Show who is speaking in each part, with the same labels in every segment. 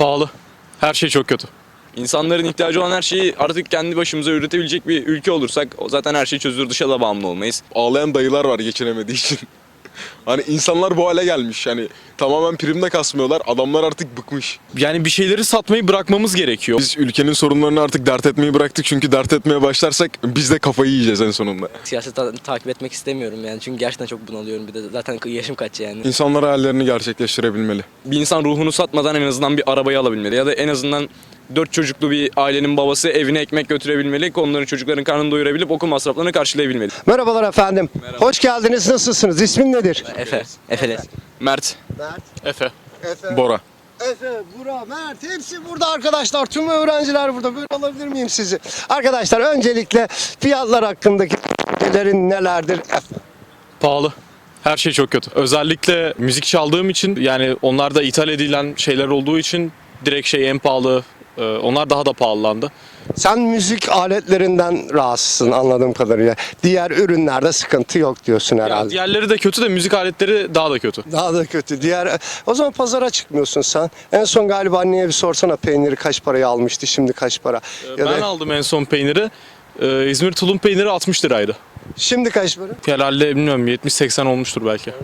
Speaker 1: Pahalı. Her şey çok kötü.
Speaker 2: İnsanların ihtiyacı olan her şeyi artık kendi başımıza üretebilecek bir ülke olursak zaten her şey çözülür, dışa da bağımlı olmayız.
Speaker 3: Ağlayan dayılar var geçinemediği için. Hani insanlar bu hale gelmiş. Yani tamamen primde kasmıyorlar. Adamlar artık bıkmış.
Speaker 1: Yani bir şeyleri satmayı bırakmamız gerekiyor.
Speaker 3: Biz ülkenin sorunlarını artık dert etmeyi bıraktık. Çünkü dert etmeye başlarsak biz de kafayı yiyeceğiz en sonunda.
Speaker 4: Siyaseti takip etmek istemiyorum yani çünkü gerçekten çok bunalıyorum, bir de zaten yaşım kaç yani.
Speaker 3: İnsanlar hayallerini gerçekleştirebilmeli.
Speaker 2: Bir insan ruhunu satmadan en azından bir arabayı alabilmeli ya da en azından 4 çocuklu bir ailenin babası evine ekmek götürebilmeli, onların çocukların karnını doyurabilip okul masraflarını karşılayabilmeli.
Speaker 5: Merhabalar efendim. Hoş geldiniz. Nasılsınız? İsmin nedir?
Speaker 4: Efe.
Speaker 2: Mert.
Speaker 1: Efe.
Speaker 3: Bora.
Speaker 5: Efe, Burak, Mert hepsi burada arkadaşlar. Tüm öğrenciler burada. Böyle alabilir miyim sizi? Arkadaşlar öncelikle fiyatlar hakkındaki düşüncelerin nelerdir?
Speaker 1: Pahalı. Her şey çok kötü. Özellikle müzik çaldığım için, yani onlar da ithal edilen şeyler olduğu için direkt şey en pahalı. Onlar daha da pahalandı.
Speaker 5: Sen müzik aletlerinden rahatsızsın anladığım kadarıyla. Diğer ürünlerde sıkıntı yok diyorsun
Speaker 1: Ya
Speaker 5: herhalde.
Speaker 1: diğerleri de kötü de müzik aletleri daha da kötü.
Speaker 5: Daha da kötü. O zaman pazara çıkmıyorsun sen. En son galiba anneye bir sorsana, peyniri kaç paraya almıştı, şimdi kaç para?
Speaker 1: Ben aldım en son peyniri. İzmir tulum peyniri 60 liraydı.
Speaker 5: Şimdi kaç para?
Speaker 1: Herhalde bilmiyorum 70-80 olmuştur belki.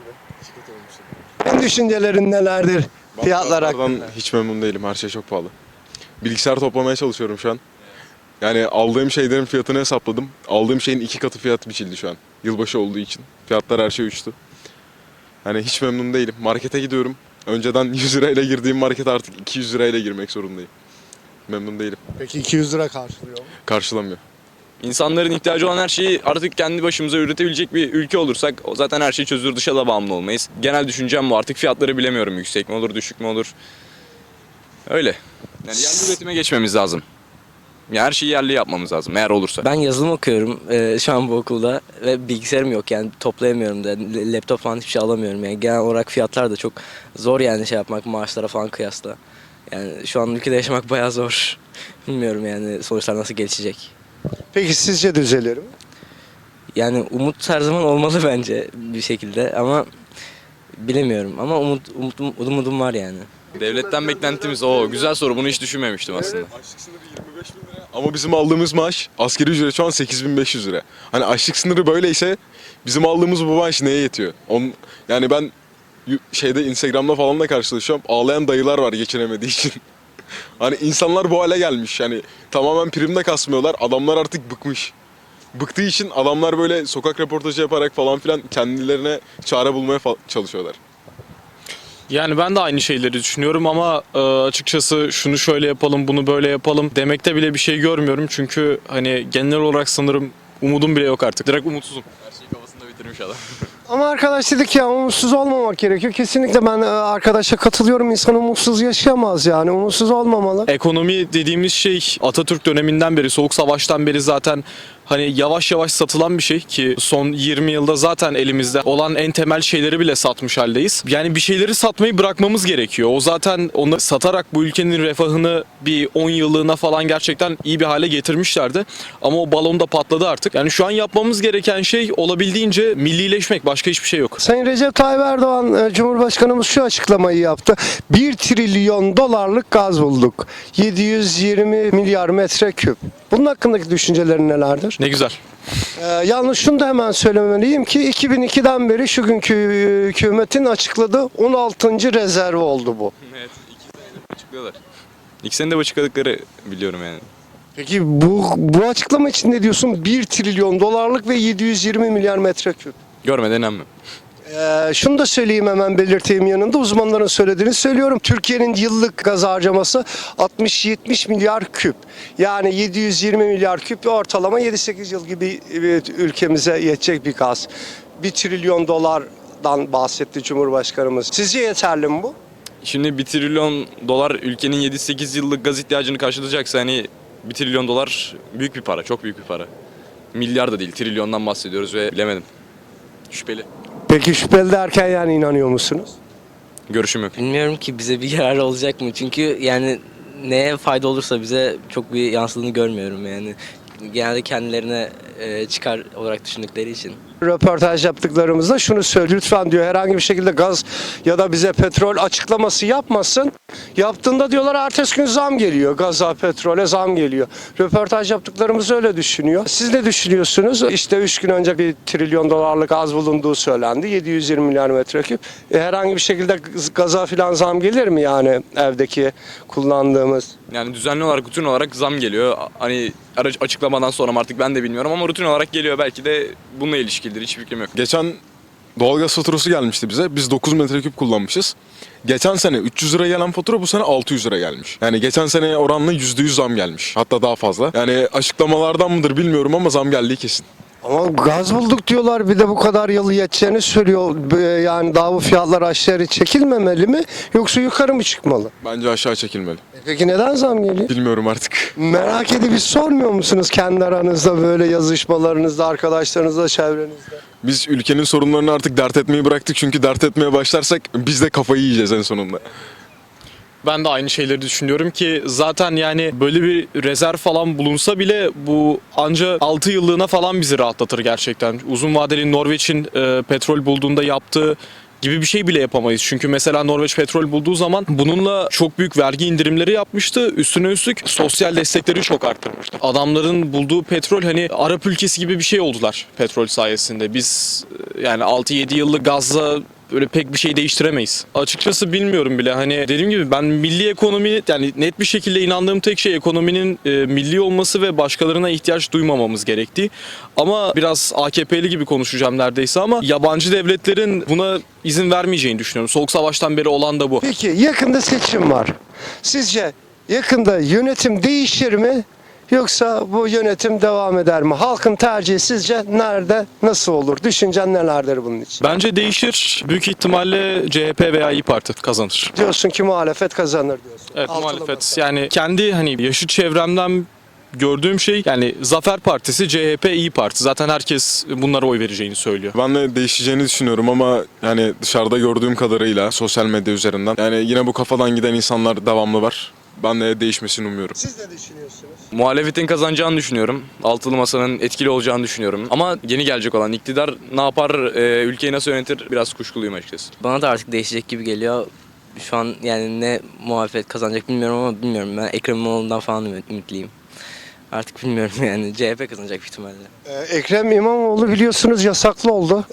Speaker 5: Senin düşüncelerin nelerdir? Fiyatlar hakkında.
Speaker 3: Fiyatlardan hiç memnun değilim. Her şey çok pahalı. Bilgisayar toplamaya çalışıyorum şu an. Yani aldığım şeylerin fiyatını hesapladım. Aldığım şeyin 2 katı fiyat biçildi şu an. Yılbaşı olduğu için. Fiyatlar her şey uçtu. Yani hiç memnun değilim. Markete gidiyorum. Önceden 100 lirayla girdiğim markete artık 200 lirayla girmek zorundayım. Memnun değilim.
Speaker 5: Peki 200 lira karşılıyor mu?
Speaker 3: Karşılamıyor.
Speaker 2: İnsanların ihtiyacı olan her şeyi artık kendi başımıza üretebilecek bir ülke olursak zaten her şey çözülür, dışa da bağımlı olmayız. Genel düşüncem bu, artık fiyatları bilemiyorum, yüksek mi olur, düşük mü olur. Öyle. Yani yerli üretime geçmemiz lazım. Ya her şeyi yerli yapmamız lazım eğer olursa.
Speaker 4: Ben yazılım okuyorum şu an bu okulda ve bilgisayarım yok yani toplayamıyorum da, laptop falan hiçbir şey alamıyorum yani. Genel olarak fiyatlar da çok zor yani şey yapmak, maaşlara falan kıyasla. Yani şu an ülkede yaşamak bayağı zor. Bilmiyorum yani sonuçlar nasıl gelişecek.
Speaker 5: Peki sizce düzelir mi?
Speaker 4: Yani umut her zaman olmalı bence bir şekilde ama bilemiyorum ama umudum var yani.
Speaker 2: Devletten beklentimiz o. Güzel soru, bunu hiç düşünmemiştim aslında.
Speaker 3: Açlık sınırı 25 bin lira. Ama bizim aldığımız maaş asgari ücret şu an 8.500 lira. Hani açlık sınırı böyleyse bizim aldığımız bu maaş neye yetiyor? Yani ben Instagram'da falan da karşılaşıyorum. Ağlayan dayılar var geçinemediği için. Hani insanlar bu hale gelmiş. Yani tamamen primde kasmıyorlar. Adamlar artık bıkmış. Bıktığı için adamlar böyle sokak röportajı yaparak falan filan kendilerine çare bulmaya çalışıyorlar.
Speaker 1: Yani ben de aynı şeyleri düşünüyorum ama açıkçası şunu şöyle yapalım, bunu böyle yapalım demekte bile bir şey görmüyorum. Çünkü hani genel olarak sanırım umudum bile yok artık. Direkt umutsuzum.
Speaker 2: Her şeyi kafasında bitirmiş adam.
Speaker 5: Ama arkadaş dedik ya, umutsuz olmamak gerekiyor. Kesinlikle ben arkadaşa katılıyorum. İnsan umutsuz yaşayamaz yani. Umutsuz olmamalı.
Speaker 1: Ekonomi dediğimiz şey Atatürk döneminden beri, Soğuk Savaş'tan beri zaten hani yavaş yavaş satılan bir şey ki son 20 yılda zaten elimizde olan en temel şeyleri bile satmış haldeyiz. Yani bir şeyleri satmayı bırakmamız gerekiyor. O zaten onu satarak bu ülkenin refahını bir 10 yıllığına falan gerçekten iyi bir hale getirmişlerdi. Ama o balon da patladı artık. Yani şu an yapmamız gereken şey olabildiğince millileşmek. Başka hiçbir şey yok.
Speaker 5: Sayın Recep Tayyip Erdoğan Cumhurbaşkanımız şu açıklamayı yaptı. 1 trilyon dolarlık gaz bulduk. 720 milyar metreküp. Bunun hakkındaki düşüncelerin nelerdir?
Speaker 1: Ne güzel.
Speaker 5: Yalnız şunu da hemen söylemeliyim ki 2002'den beri şu günkü hükümetin açıkladığı 16. rezerv oldu bu.
Speaker 2: Evet, 2 senedir açıklıyorlar. 2 senede açıkladıkları biliyorum yani.
Speaker 5: Peki bu açıklama için ne diyorsun? 1 trilyon dolarlık ve 720 milyar metreküp.
Speaker 2: Görmeden inanmıyorum.
Speaker 5: Şunu da söyleyeyim, hemen belirteyim yanında. Uzmanların söylediğini söylüyorum. Türkiye'nin yıllık gaz harcaması 60-70 milyar küp. Yani 720 milyar küp ortalama 7-8 yıl gibi ülkemize yetecek bir gaz. 1 trilyon dolardan bahsetti Cumhurbaşkanımız. Sizce yeterli mi bu?
Speaker 2: Şimdi 1 trilyon dolar ülkenin 7-8 yıllık gaz ihtiyacını karşılayacaksa hani 1 trilyon dolar büyük bir para, çok büyük bir para. Milyar da değil, trilyondan bahsediyoruz ve bilemedim. Şüpheli.
Speaker 5: Peki şüpheli derken yani inanıyor musunuz?
Speaker 2: Görüşüm yok.
Speaker 4: Bilmiyorum ki bize bir yararı olacak mı? Çünkü yani neye fayda olursa bize çok bir yansıdığını görmüyorum yani. Genelde kendilerine çıkar olarak düşündükleri için.
Speaker 5: röportaj yaptıklarımızda şunu söylüyor. Lütfen diyor herhangi bir şekilde gaz ya da bize petrol açıklaması yapmasın. Yaptığında diyorlar ertesi gün zam geliyor. Gaza, petrole zam geliyor. Röportaj yaptıklarımız öyle düşünüyor. Siz ne düşünüyorsunuz? İşte 3 gün önce $1 trilyon gaz bulunduğu söylendi. 720 milyar metreküp. Herhangi bir şekilde gaza filan zam gelir mi yani evdeki kullandığımız?
Speaker 2: Yani düzenli olarak, rutin olarak zam geliyor. Hani açıklamadan sonra mı artık ben de bilmiyorum ama rutin olarak geliyor. Belki de bununla ilişkilidir. Hiç fikrim yok.
Speaker 3: Geçen doğalgaz faturası gelmişti bize. Biz 9 metreküp kullanmışız. Geçen sene 300 lira gelen fatura bu sene 600 lira gelmiş. Yani geçen sene oranla %100 zam gelmiş. Hatta daha fazla. Yani açıklamalardan mıdır bilmiyorum ama zam geldiği kesin.
Speaker 5: Ama gaz bulduk diyorlar, bir de bu kadar yıl yeteceğini söylüyor. Yani daha bu fiyatlar aşağı çekilmemeli mi yoksa yukarı mı çıkmalı?
Speaker 3: Bence aşağı çekilmeli.
Speaker 5: Peki neden zam geliyor?
Speaker 3: Bilmiyorum artık.
Speaker 5: Merak edip hiç sormuyor musunuz kendi aranızda böyle yazışmalarınızda, arkadaşlarınızla, çevrenizde?
Speaker 3: Biz ülkenin sorunlarını artık dert etmeyi bıraktık. Çünkü dert etmeye başlarsak biz de kafayı yiyeceğiz en sonunda.
Speaker 1: Ben de aynı şeyleri düşünüyorum ki zaten yani böyle bir rezerv falan bulunsa bile bu anca 6 yıllığına falan bizi rahatlatır gerçekten. Uzun vadeli Norveç'in petrol bulduğunda yaptığı gibi bir şey bile yapamayız. Çünkü mesela Norveç petrol bulduğu zaman bununla çok büyük vergi indirimleri yapmıştı. Üstüne üstlük sosyal destekleri çok arttırmıştı. Adamların bulduğu petrol hani Arap ülkesi gibi bir şey oldular petrol sayesinde. Biz yani 6-7 yıllık gazla böyle pek bir şey değiştiremeyiz. Açıkçası bilmiyorum bile. Hani dediğim gibi ben milli ekonomi, yani net bir şekilde inandığım tek şey ekonominin milli olması ve başkalarına ihtiyaç duymamamız gerektiği. Ama biraz AKP'li gibi konuşacağım neredeyse ama yabancı devletlerin buna izin vermeyeceğini düşünüyorum. Soğuk Savaş'tan beri olan da bu.
Speaker 5: Peki yakında seçim var. Sizce yakında yönetim değişir mi? Yoksa bu yönetim devam eder mi? Halkın tercihi sizce nerede, nasıl olur? Düşüncen nelerdir bunun için?
Speaker 1: Bence değişir. Büyük ihtimalle CHP veya İYİ Parti kazanır.
Speaker 5: Diyorsun ki muhalefet kazanır diyorsun.
Speaker 1: Evet,
Speaker 5: Altılı
Speaker 1: muhalefet.
Speaker 5: masa.
Speaker 1: Yani kendi hani yaşıt çevremden gördüğüm şey yani Zafer Partisi, CHP, İYİ Parti. Zaten herkes bunlara oy vereceğini söylüyor.
Speaker 3: Ben de değişeceğini düşünüyorum ama yani dışarıda gördüğüm kadarıyla sosyal medya üzerinden yani yine bu kafadan giden insanlar devamlı var. Ben de değişmesini umuyorum.
Speaker 5: Siz ne düşünüyorsunuz?
Speaker 2: Muhalefetin kazanacağını düşünüyorum. Altılı Masa'nın etkili olacağını düşünüyorum. Ama yeni gelecek olan iktidar ne yapar, ülkeyi nasıl yönetir biraz kuşkuluyum açıkçası.
Speaker 4: Bana da artık değişecek gibi geliyor. Şu an yani ne muhalefet kazanacak bilmiyorum ama bilmiyorum. Ben Ekrem İmamoğlu'ndan falan ümitliyim. Artık bilmiyorum yani. CHP kazanacak büyük ihtimalle.
Speaker 5: Ekrem İmamoğlu biliyorsunuz yasaklı oldu.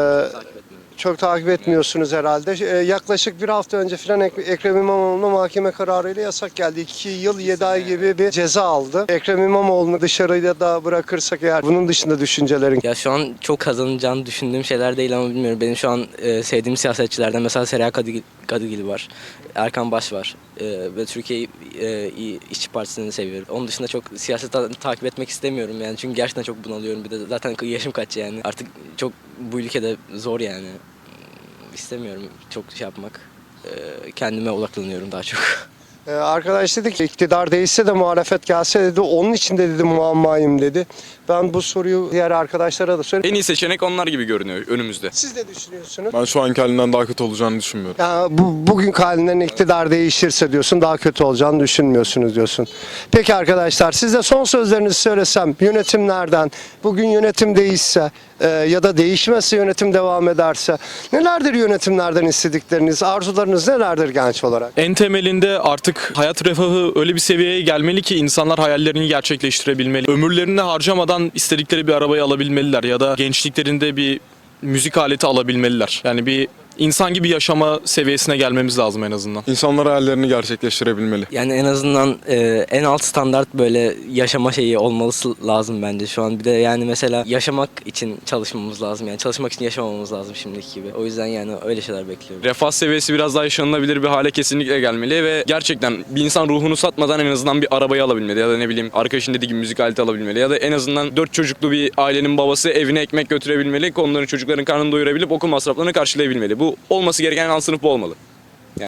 Speaker 5: Çok takip etmiyorsunuz herhalde. Yaklaşık bir hafta önce falan Ekrem İmamoğlu'na mahkeme kararıyla yasak geldi. 2 yıl 7 ay gibi bir ceza aldı. Ekrem İmamoğlu'nu dışarıda da bırakırsak eğer bunun dışında düşüncelerin.
Speaker 4: Ya şu an çok kazanacağını düşündüğüm şeyler değil ama bilmiyorum. Benim şu an sevdiğim siyasetçilerden mesela Seriha Kadıgil var. Erkan Baş var. Ve Türkiye İşçi Partisi'ni seviyorum. Onun dışında çok siyaset takip etmek istemiyorum yani. Çünkü gerçekten çok bunalıyorum. Bir de zaten yaşım kaç yani. Artık çok bu ülkede zor yani. İstemiyorum çok şey yapmak. Kendime odaklanıyorum daha çok.
Speaker 5: Arkadaş dedi ki iktidar değişse de muhalefet gelse dedi. Onun için de dedi muammayım dedi. Ben bu soruyu diğer arkadaşlara da söyleyeyim.
Speaker 2: En iyi seçenek onlar gibi görünüyor önümüzde.
Speaker 5: Siz ne düşünüyorsunuz?
Speaker 3: Ben şu anki halinden daha kötü olacağını düşünmüyorum.
Speaker 5: Yani bugün halinden iktidar değişirse diyorsun daha kötü olacağını düşünmüyorsunuz diyorsun. Peki arkadaşlar siz de son sözlerinizi söylesem yönetimlerden bugün yönetim değişse ya da değişmezse yönetim devam ederse nelerdir yönetimlerden istedikleriniz, arzularınız nelerdir genç olarak?
Speaker 1: En temelinde artık hayat refahı öyle bir seviyeye gelmeli ki insanlar hayallerini gerçekleştirebilmeli. Ömürlerini harcamadan istedikleri bir arabayı alabilmeliler ya da gençliklerinde bir müzik aleti alabilmeliler. Yani bir insan gibi yaşama seviyesine gelmemiz lazım en azından.
Speaker 3: İnsanlar hayallerini gerçekleştirebilmeli.
Speaker 4: Yani en azından en alt standart böyle yaşama şeyi olması lazım bence şu an. Bir de yani mesela yaşamak için çalışmamız lazım. Yani çalışmak için yaşamamamız lazım şimdiki gibi. O yüzden yani öyle şeyler bekliyorum.
Speaker 2: Refah seviyesi biraz daha yaşanılabilir bir hale kesinlikle gelmeli ve gerçekten bir insan ruhunu satmadan en azından bir arabayı alabilmeli ya da ne bileyim arkadaşın dediği gibi müzik aleti alabilmeli ya da en azından 4 çocuklu bir ailenin babası evine ekmek götürebilmeli, onların çocukların karnını doyurabilip okul masraflarını karşılayabilmeli. Bu olması gereken alt sınıf bu olmalı.